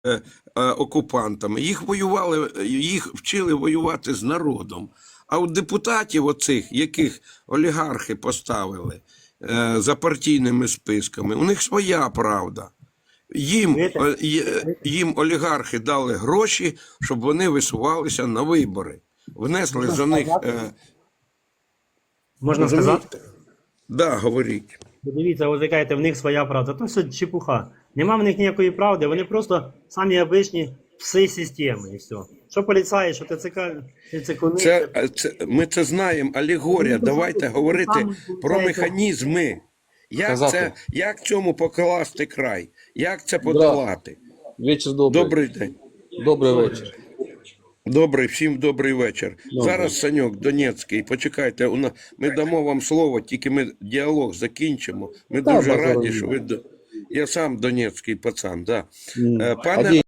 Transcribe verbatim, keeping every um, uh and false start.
е, окупантами. Їх воювали, їх вчили воювати з народом. А у депутатів оцих, яких олігархи поставили е, за партійними списками, у них своя правда. Їм, е, є- їм олігархи дали гроші, щоб вони висувалися на вибори. Внесли Можна за них. сказати? Е, Можна сказати? розумієте? Да, говоріть. Бо дивіться, ви кажете, в них своя правда. То все чепуха. Нема в них ніякої правди, вони просто самі обичні пси системи і все. Що поліцаї, що ТЦК, ТЦК, Це, е, це, ми це знаємо, алегорія. Давайте говорити про механізми. Як, Казати. це, як цьому покласти край? Як це подолати? Вечір добрий. Добрий день. Добрий вечір. Добрий, всім добрий вечір. Зараз Саньок Донецький, почекайте, у нас, ми дамо вам слово, тільки ми діалог закінчимо. Ми Та, дуже базар раді, ні. що ви... до- Я сам донецький пацан, да. М. Е, А Пане де